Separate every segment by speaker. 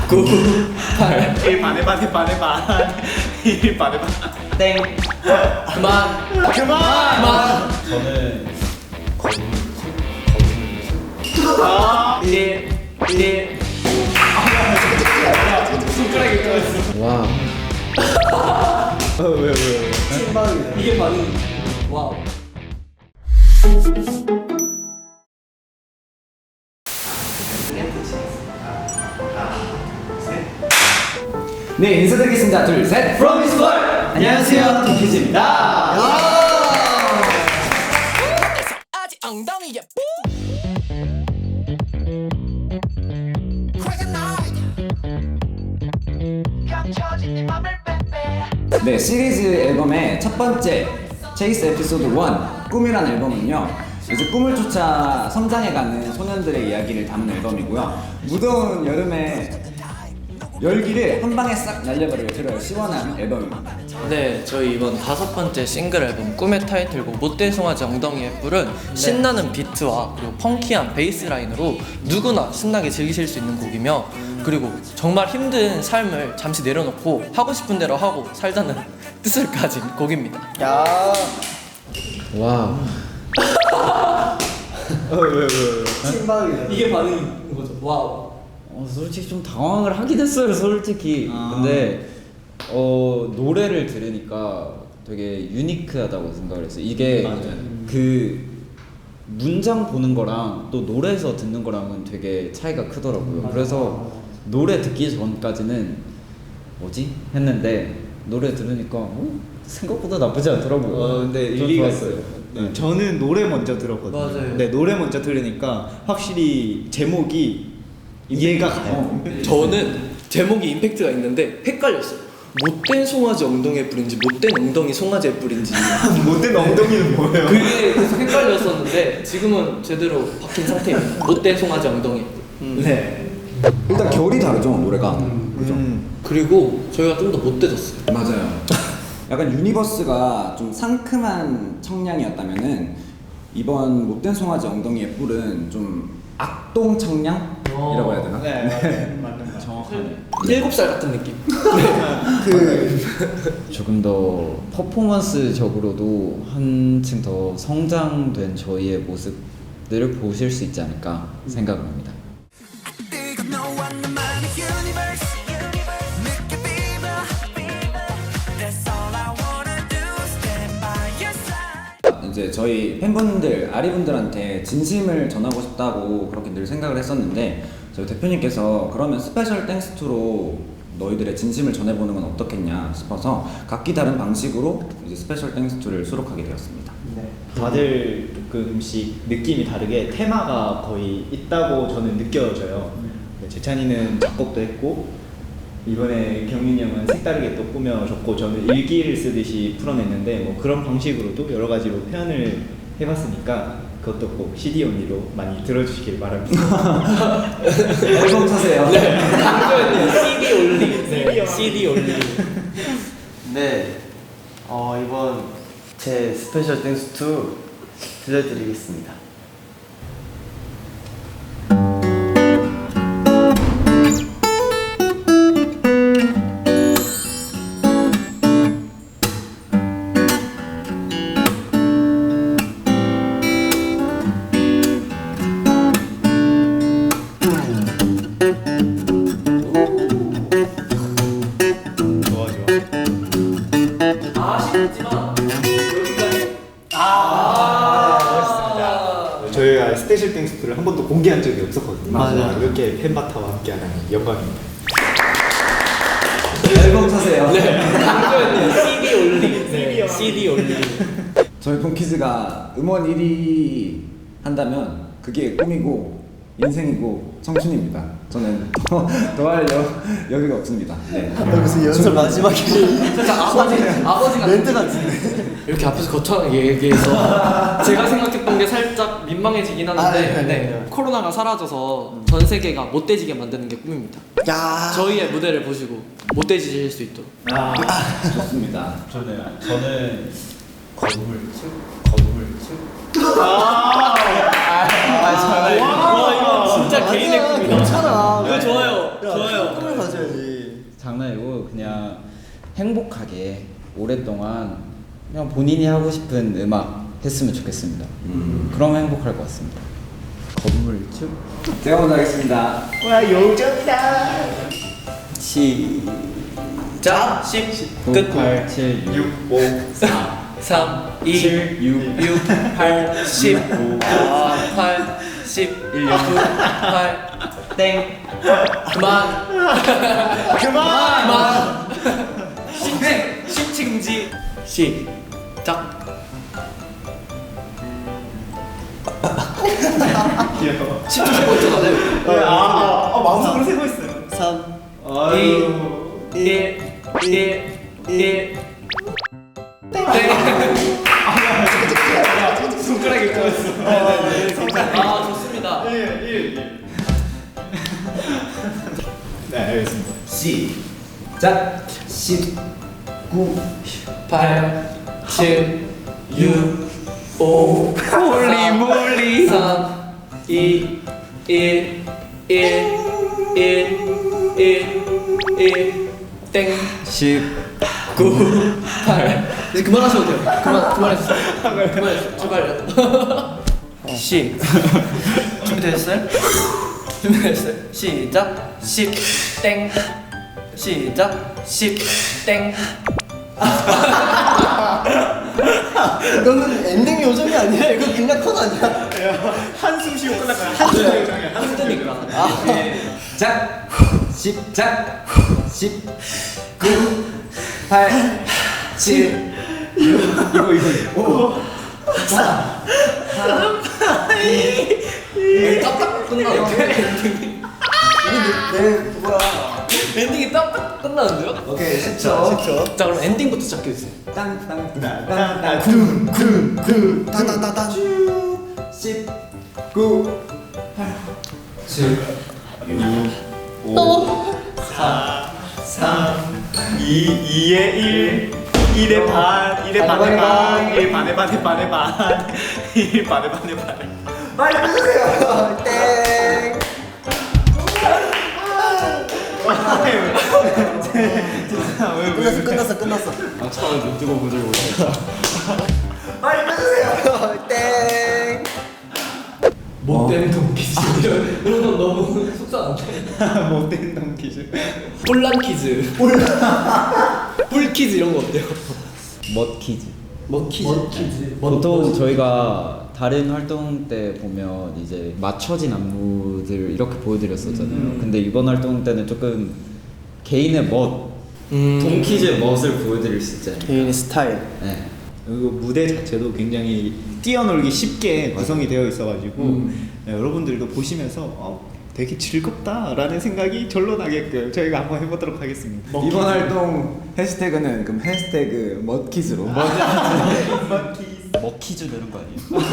Speaker 1: 9, 8.
Speaker 2: 1 반, 1 반, 1 반, 1 반. 1 반, 1 반.
Speaker 1: 땡. 그만. 그만.
Speaker 3: 저는
Speaker 2: 아,
Speaker 1: 1. 손가락이 떨어졌어.
Speaker 3: 와. 왜?
Speaker 1: 이게 반응. 와우. 네, 인사드리겠습니다. 둘, 셋. From His World. 안녕하세요, 톰키즈입니다.
Speaker 4: 아직 엉덩이에
Speaker 1: 네, 시리즈 앨범의 첫 번째 체이스 에피소드 1 꿈이란 앨범은요, 이제 꿈을 쫓아 성장해가는 소년들의 이야기를 담은 앨범이고요. 무더운 여름에 열기를 한 방에 싹 날려버리려 들어요. 시원한 앨범입니다.
Speaker 5: 네, 저희 이번 5번째 싱글 앨범 꿈의 타이틀곡 못된 송아지 엉덩이의 뿔은 신나는 비트와 그리고 펑키한 베이스 라인으로 누구나 신나게 즐기실 수 있는 곡이며, 그리고 정말 힘든 삶을 잠시 내려놓고 하고 싶은 대로 하고 살자는 뜻을 가진 곡입니다.
Speaker 3: 와. 왜?
Speaker 1: 이게 반응인 거죠. 와우.
Speaker 3: 솔직히 좀 당황을 하긴 했어요, 솔직히. 근데 노래를 들으니까 되게 유니크하다고 생각을 했어요. 이게 그 문장 보는 거랑 또 노래에서 듣는 거랑은 되게 차이가 크더라고요. 그래서 노래 듣기 전까지는 뭐지? 했는데 노래 들으니까 생각보다 나쁘지 않더라고요.
Speaker 2: 근데
Speaker 3: 전
Speaker 2: 일리가
Speaker 3: 좋았어요.
Speaker 2: 있어요. 네, 저는 노래 먼저 들었거든요.
Speaker 5: 맞아요.
Speaker 2: 네, 노래 먼저 들으니까 확실히 제목이 이해가 가요.
Speaker 5: 저는 제목이 임팩트가 있는데 헷갈렸어요. 못된 송아지 엉덩이의 뿔인지 못된 엉덩이 송아지의 뿔인지
Speaker 2: 못된 엉덩이는 뭐예요?
Speaker 5: 그게 계속 헷갈렸었는데 지금은 제대로 박힌 상태입니다. 못된 송아지 엉덩이의 뿔.
Speaker 2: 네.
Speaker 1: 일단 결이 다르죠, 노래가. 그죠?
Speaker 5: 그리고 저희가 좀 더 못돼졌어요.
Speaker 1: 맞아요. 약간 유니버스가 좀 상큼한 청량이었다면은 이번 못된 송아지 엉덩이의 뿔은 좀 악동 청량이라고 해야 되나?
Speaker 2: 네, 맞는
Speaker 1: 정확하네.
Speaker 5: 7살 같은 느낌.
Speaker 3: 조금 더 퍼포먼스적으로도 한층 더 성장된 저희의 모습들을 보실 수 있지 않을까 생각합니다.
Speaker 1: 이제 저희 팬분들, 아리분들한테 진심을 전하고 싶다고 그렇게 늘 생각을 했었는데, 저희 대표님께서 그러면 스페셜 땡스투로 너희들의 진심을 전해보는 건 어떻겠냐 싶어서 각기 다른 방식으로 이제 스페셜 땡스투를 수록하게 되었습니다.
Speaker 2: 다들 조금씩 느낌이 다르게 테마가 거의 있다고 저는 느껴져요. 재찬이는 작곡도 했고, 이번에 경민이 형은 색다르게 또 꾸며줬고, 저는 일기를 쓰듯이 풀어냈는데 뭐 그런 방식으로도 여러 가지로 표현을 해봤으니까 그것도 꼭 CD 언니로 많이 들어주시길 바랍니다.
Speaker 1: 앨범 사세요.
Speaker 5: 네, 강조했네요. CD 올리. CD 올리.
Speaker 6: 네, 이번 제 스페셜 땡스 2 들려드리겠습니다.
Speaker 5: 아쉽지만 여기까지.
Speaker 2: 저희가 스페셜 땡스투를 한 번도 공개한 적이 없었거든요.
Speaker 6: 맞아요.
Speaker 2: 이렇게 팬바타와 함께하다니 영광입니다.
Speaker 1: 앨범 사세요.
Speaker 5: 네, 강조했네요. CD 올리. CD 올리.
Speaker 1: 저희 폰키즈가 음원 1위 한다면 그게 꿈이고 인생이고 청춘입니다. 저는 더할 여유가 없습니다. 네.
Speaker 6: 무슨 연설 마지막에
Speaker 5: 살짝 아버지 같은
Speaker 6: 멘트 같은데.
Speaker 5: 이렇게 앞에서 거창하게 얘기해서 제가 생각했던 게 살짝 민망해지긴 하는데 네. 코로나가 사라져서 전 세계가 못돼지게 만드는 게 꿈입니다.
Speaker 6: 야.
Speaker 5: 저희의 무대를 보시고 못돼지실 수 있도록.
Speaker 1: 좋습니다.
Speaker 3: 저는 거울
Speaker 5: 와, 이거 진짜 개인의 꿈이다.
Speaker 6: 괜찮아.
Speaker 5: 이거 좋아요. 좋아요.
Speaker 6: 꿈을
Speaker 3: 그냥 행복하게 오랫동안 그냥 본인이 하고 싶은 음악 했으면 좋겠습니다. 그러면 행복할 것 같습니다. 건물주?
Speaker 1: 제가 먼저 하겠습니다.
Speaker 5: 자, 10 끝.
Speaker 3: 8, 7, 6,
Speaker 2: 5,
Speaker 5: 3, 2,
Speaker 3: 7, 6,
Speaker 5: 6, 8, 10, 8, 10, 1, 9, 8, 땡. 그만. 그만. 심층지. 시작.
Speaker 2: 귀여워.
Speaker 5: 10초 세고 있잖아.
Speaker 6: 마음속으로 세고 있어요. 3,
Speaker 5: 1, 1.
Speaker 2: 손가락이 꺼졌어.
Speaker 5: 아, 좋습니다.
Speaker 2: 1. 네, 알겠습니다.
Speaker 1: 시작. 19.
Speaker 5: 8, 7, 6, 5, 몰리 3, 2, 1, 땡.
Speaker 3: 10.
Speaker 5: 9, 8. 이제 그만하셔도 돼요. 그만했어. 출발요. 준비되셨어요? 시작. 10, 땡. 시작. 10, 땡.
Speaker 6: 이거는 엔딩 요정이 아니라 이거 그냥 컷 아니야?
Speaker 2: 한숨 쉬고 끝날까요? 한숨 요정이야. 한숨
Speaker 5: 힘드니까.
Speaker 1: 작. 10작. 10. 9. 8. 7. 6. 이거. 5. 4. 2.
Speaker 5: 딱딱 끝나는데?
Speaker 6: 내 뭐야?
Speaker 5: 엔딩이 딱딱 끝나는데요?
Speaker 1: 오케이 10초.
Speaker 5: 자, 그럼 엔딩부터 시작해주세요.
Speaker 1: 땅땅땅땅땅.
Speaker 6: 쿵쿵쿵 따다다다
Speaker 1: 10. 9. 8. 7.
Speaker 2: 2에 1, 1에 반, 1에 반에 반, 1 반에 반에 반에 반, 1 반에 반에 반에.
Speaker 6: 빨리 해주세요. 땡. 끝났어.
Speaker 3: 아, 처음에 눈 뜨고 보질 못했다.
Speaker 6: 빨리 해주세요. 땡.
Speaker 5: 못되는 동키즈. 이런 건 너무 속상한데?
Speaker 2: 못된 덩키즈.
Speaker 5: 뿔란 퀴즈. 뿔 퀴즈 이런 거 어때요?
Speaker 3: 멋키즈.
Speaker 5: 먹퀴즈.
Speaker 3: 보통 저희가 다른 활동 때 보면 이제 맞춰진 안무들 이렇게 보여드렸었잖아요. 근데 이번 활동 때는 조금 개인의 멋, 동키즈의 멋을 보여드릴 수 있잖아요.
Speaker 6: 개인의 스타일.
Speaker 3: 네.
Speaker 2: 그리고 무대 자체도 굉장히 뛰어놀기 쉽게 구성이 되어 있어가지고 네, 여러분들도 보시면서 되게 즐겁다라는 생각이 절로 나게끔 저희가 한번 해보도록 하겠습니다.
Speaker 1: 이번 활동 해시태그는 그럼 해시태그 멋키즈로.
Speaker 3: 먹키즈 되는 거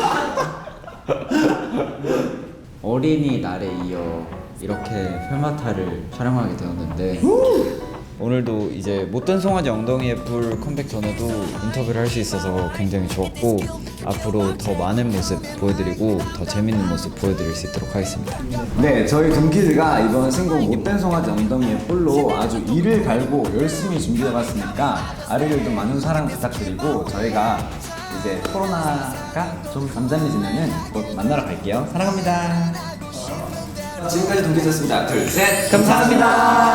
Speaker 3: 아니에요? 어린이날에 이어 이렇게 펠마타를 촬영하게 되었는데 오늘도 이제 못된 송아지 엉덩이에 불 컴백 전에도 인터뷰를 할 수 있어서 굉장히 좋았고 앞으로 더 많은 모습 보여드리고 더 재밌는 모습 보여드릴 수 있도록 하겠습니다.
Speaker 1: 네, 저희 동키즈가 이번 신곡 못된 송아지 엉덩이의 뿔로 아주 이를 갈고 열심히 준비해봤으니까 아리들도 많은 사랑 부탁드리고 저희가 이제 코로나가 좀 잠잠해지면은 곧 만나러 갈게요. 사랑합니다. 지금까지 동키즈였습니다. 둘, 셋, 감사합니다.